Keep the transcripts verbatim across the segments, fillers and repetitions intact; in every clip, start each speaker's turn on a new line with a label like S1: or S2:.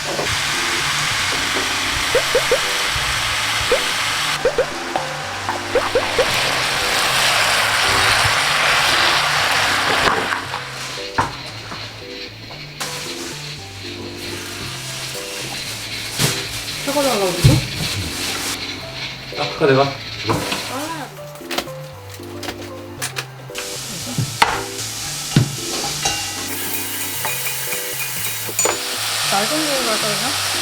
S1: 사과 달라고 그러죠?
S2: 아까 내가
S1: 날 정도로 갈까 그냥?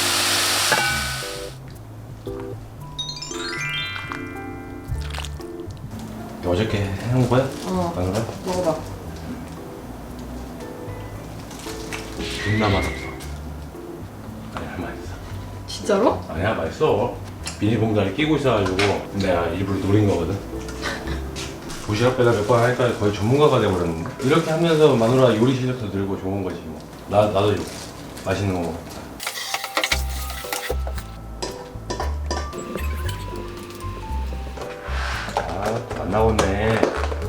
S2: 어저께 해놓은 거야?
S1: 어.
S2: 안 그래?
S1: 먹어봐.
S2: 존나 맛없어. 아니야 맛있어.
S1: 진짜로?
S2: 아니야 맛있어. 비닐봉다를 끼고 있어가지고 내가 일부러 노린 거거든. 도시락 배달 몇 번 하니까 거의 전문가가 돼버렸는데 이렇게 하면서 마누라 요리 실력도 늘고 좋은 거지 뭐. 나, 나도 이거 맛있는 거 먹어. 아, 안 나오네.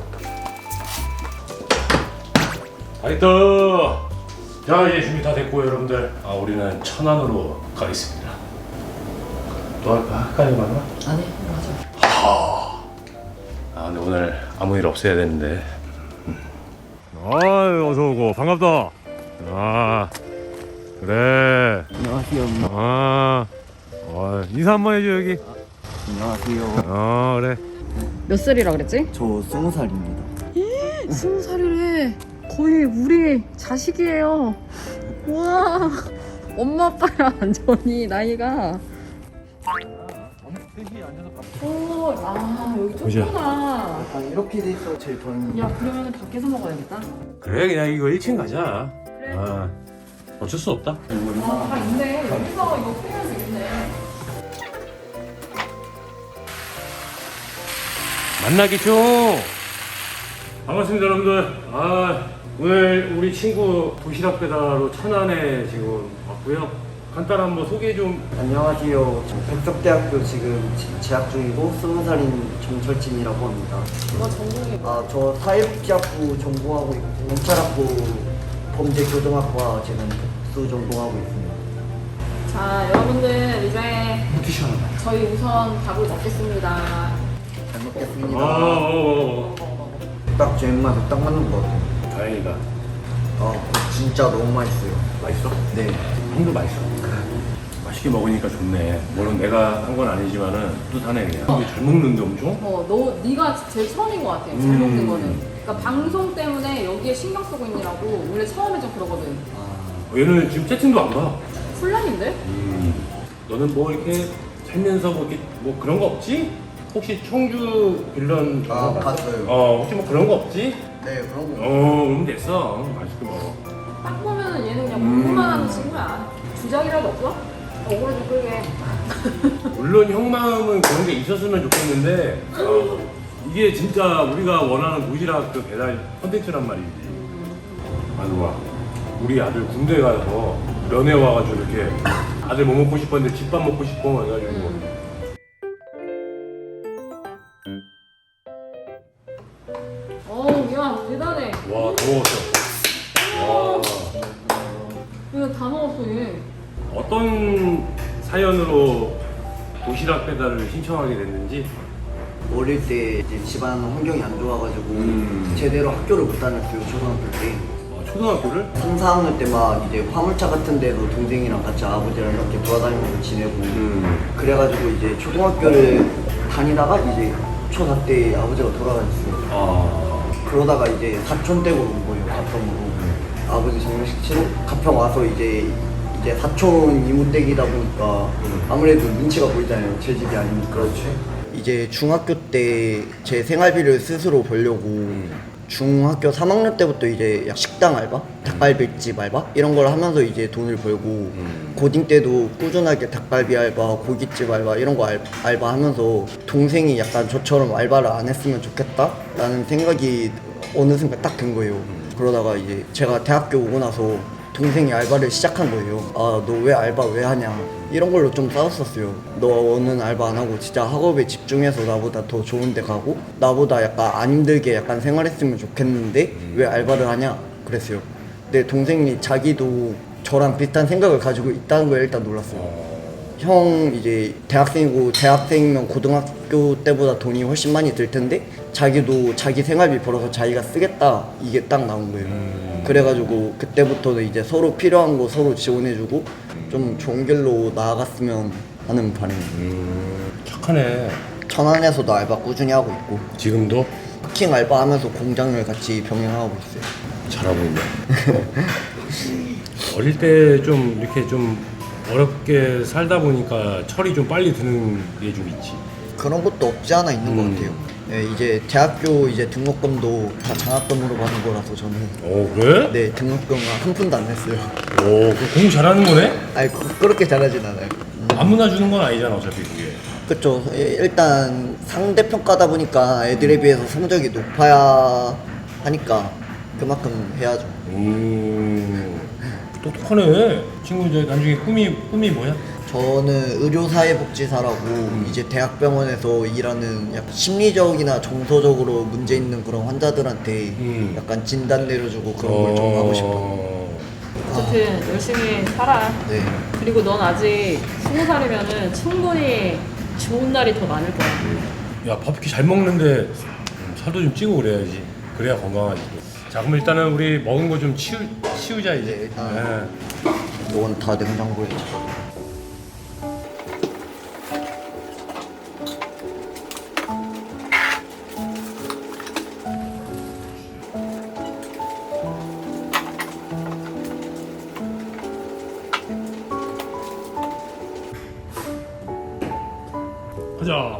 S2: 아이다. 자, 이제 준비 다 됐고 여러분들. 아, 우리는 천안으로 가겠습니다. 또 할까? 할까 이거 맞나?
S1: 아니, 맞아.
S2: 아, 근데 오늘 아무 일 없어야 되는데. 아유, 어서 오고 반갑다. 아, 그래.
S3: 안녕하세요.
S2: 아, 어, 인사 한번 해줘 여기.
S3: 안녕하세요.
S2: 어, 그래.
S1: 몇 살이라 그랬지?
S3: 저 스무 살입니다.
S1: 스무 살이래. 거의 우리 자식이에요. 우와. 엄마 아빠랑 완전히 나이가. 오, 아 여기
S2: 보자.
S1: 좁구나.
S3: 약간 이렇게 돼 있어 제일 좋아하는.
S1: 야 그러면 밖에서 먹어야겠다.
S2: 그래, 그냥 이거 일 층 가자.
S1: 그래.
S2: 아, 어쩔 수 없다.
S1: 아, 다 있네. 여기서 이거 풀면 되겠네.
S2: 만나겠죠. 반갑습니다 여러분들. 아, 오늘 우리 친구 도시락 배달로 천안에 지금 왔고요. 간단한 한번 소개 좀.
S3: 안녕하세요. 저 백석대학교 지금 지- 재학 중이고 스무 살인 정철진이라고 합니다.
S1: 너 전공이 뭐?
S3: 아, 저 사회복지학부 전공하고 있고 경찰학부 범죄교정학과 지금 복수 전공하고 있습니다.
S1: 자 여러분들 이제
S2: 티셔츠.
S1: 저희 우선 밥을 먹겠습니다.
S3: 잘
S2: 아,
S3: 먹겠습니다.
S2: 어, 어,
S1: 먹어 먹어.
S3: 딱 제 입맛에 딱 맞는 것 같아요.
S2: 어. 다행이다.
S3: 아, 진짜 너무 맛있어요.
S2: 맛있어?
S3: 네.
S2: 형도 맛있어. 맛있게 먹으니까 좋네. 물론 내가 한 건 아니지만은 뿌듯하네 그냥. 이게 잘 먹는데 엄청?
S1: 어, 너 네가 제일 처음인 것 같아. 잘
S2: 음.
S1: 먹는 거는. 그러니까 방송 때문에 여기에 신경 쓰고 있느라고 원래 처음에 좀 그러거든.
S3: 아,
S2: 얘는 지금 채팅도 안 봐.
S1: 혼란인데?
S2: 음. 너는 뭐 이렇게 살면서 뭐 이렇게 뭐 그런 거 없지? 혹시 청주 빌런
S3: 아,
S2: 영화 봤어?
S3: 봤어요.
S2: 어, 혹시 뭐 그런 거 없지?
S3: 네, 그런 거.
S2: 어, 그럼 됐어. 맛있게 먹어.
S1: 딱 보면은 얘는 그냥
S2: 음.
S1: 공부만 하는 친구야. 주작이라도 없어? 억울해 좀 끌게.
S2: 물론 형 마음은 그런 게 있었으면 좋겠는데 어, 이게 진짜 우리가 원하는 도시락 그 배달 컨텐츠란 말이지. 아누가 우리 아들 군대 가서 면회 와가지고 이렇게 아들 뭐 먹고 싶었는데 집밥 먹고 싶어 해가지고
S1: 음. 어우, 야, 대단해.
S2: 와 더 먹었어. 와
S1: 이거 다 먹었어, 얘.
S2: 어떤 사연으로 도시락 배달을 신청하게 됐는지.
S3: 어릴 때 이제 집안 환경이 안 좋아가지고
S2: 음.
S3: 제대로 학교를 못 다녔어요. 초등학교 때.
S2: 아, 초등학교를?
S3: 삼, 사 학년 때 막 이제 화물차 같은 데도 동생이랑 같이 아버지랑 이렇게 돌아다니면서 지내고
S2: 음.
S3: 그래가지고 이제 초등학교를 다니다가 이제 초사 때 아버지가 돌아가셨어요.
S2: 아.
S3: 그러다가 이제 사촌 댁으로 온 거예요. 가평으로. 아버지 장례식 치러 가평 와서 이제 이제 사촌 이모 댁이다 보니까
S2: 음.
S3: 아무래도 눈치가 보이잖아요. 제 집이 아니니까.
S2: 그렇지.
S3: 이제 중학교 때 제 생활비를 스스로 벌려고 중학교 삼 학년 때부터 이제 약 식당 알바, 닭갈비집 알바 이런 걸 하면서 이제 돈을 벌고
S2: 음.
S3: 고딩 때도 꾸준하게 닭갈비 알바, 고깃집 알바 이런 거 알, 알바하면서 동생이 약간 저처럼 알바를 안 했으면 좋겠다라는 생각이 어느 순간 딱 든 거예요. 그러다가 이제 제가 대학교 오고 나서 동생이 알바를 시작한 거예요. 아, 너 왜 알바 왜 하냐 이런 걸로 좀 싸웠었어요. 너는 알바 안 하고 진짜 학업에 집중해서 나보다 더 좋은 데 가고 나보다 약간 안 힘들게 약간 생활했으면 좋겠는데 왜 알바를 하냐 그랬어요. 근데 동생이 자기도 저랑 비슷한 생각을 가지고 있다는 걸 일단 놀랐어요. 형 이제 대학생이고 대학생이면 고등학교 때보다 돈이 훨씬 많이 들 텐데 자기도 자기 생활비 벌어서 자기가 쓰겠다 이게 딱 나온 거예요.
S2: 음.
S3: 그래가지고 그때부터는 이제 서로 필요한 거 서로 지원해주고 좀 좋은 길로 나아갔으면 하는 바람이에요.
S2: 음, 착하네.
S3: 천안에서도 알바 꾸준히 하고 있고
S2: 지금도
S3: 쿠킹 알바 하면서 공장을 같이 병행하고 있어요.
S2: 잘하고 있네. 어릴 때 좀 이렇게 좀 어렵게 살다 보니까 철이 좀 빨리 드는 게 좀 있지.
S3: 그런 것도 없지 않아 있는
S2: 음.
S3: 것 같아요. 네, 이제 대학교 이제 등록금도 다 장학금으로 받는 거라서 저는
S2: 오, 그래?
S3: 네 등록금 한 푼도 안 냈어요.
S2: 오, 그 공부 잘하는 거네?
S3: 아니 그- 그렇게 잘하진 않아요.
S2: 아무나 주는 건 아니잖아, 어차피 그게.
S3: 그쵸. 예, 일단 상대평가다 보니까 애들에 비해서 성적이 높아야 하니까 그만큼 해야죠.
S2: 음, 똑똑하네. 친구 이제 나중에 꿈이 꿈이 뭐야?
S3: 저는 의료사회복지사라고 이제 대학병원에서 일하는 약간 심리적이나 정서적으로 문제 있는 그런 환자들한테
S2: 음.
S3: 약간 진단 내려주고 그런 걸 좀 하고 싶어요.
S1: 어쨌든 열심히 살아.
S3: 네.
S1: 그리고 넌 아직 스무 살이면은 충분히 좋은 날이 더 많을 거야.
S2: 야, 밥 이렇게 잘 먹는데 음, 살도 좀 찌고 그래야지. 그래야 건강하지. 자, 그럼 일단은 우리 먹은 거 좀 치우, 치우자 이제.
S3: 네, 일단.
S2: 네.
S3: 이건 다 냉장고에 있죠.
S2: 가자.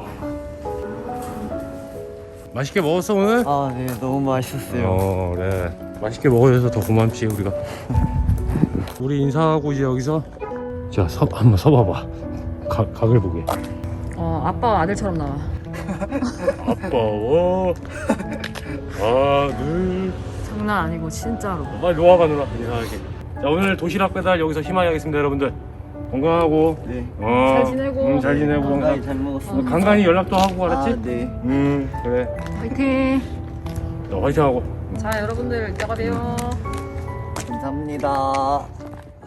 S2: 맛있게 먹었어 오늘?
S3: 아, 네, 너무 맛있었어요.
S2: 어, 그래. 맛있게 먹어줘서 더 고맙지 우리가. 우리 인사하고 이제 여기서 자, 서, 한번 서봐봐. 각, 각을 보게.
S1: 어, 아빠 아들처럼 나와.
S2: 아빠와 아들.
S1: 장난 아니고 진짜로.
S2: 빨리 놓아가 누나 인사하게. 자, 오늘 도시락 배달 여기서 희망히 하겠습니다 여러분들. 건강하고.
S3: 네.
S2: 어,
S1: 잘 지내고.
S2: 음, 잘 지내고
S3: 건강히
S2: 항상
S3: 잘 먹었습니다.
S2: 간간히 연락도 하고 알았지?
S3: 아, 네.
S2: 음, 그래.
S1: 화이팅.
S2: 너 화이팅하고.
S1: 자, 여러분들 이따가 봬요.
S3: 감사합니다.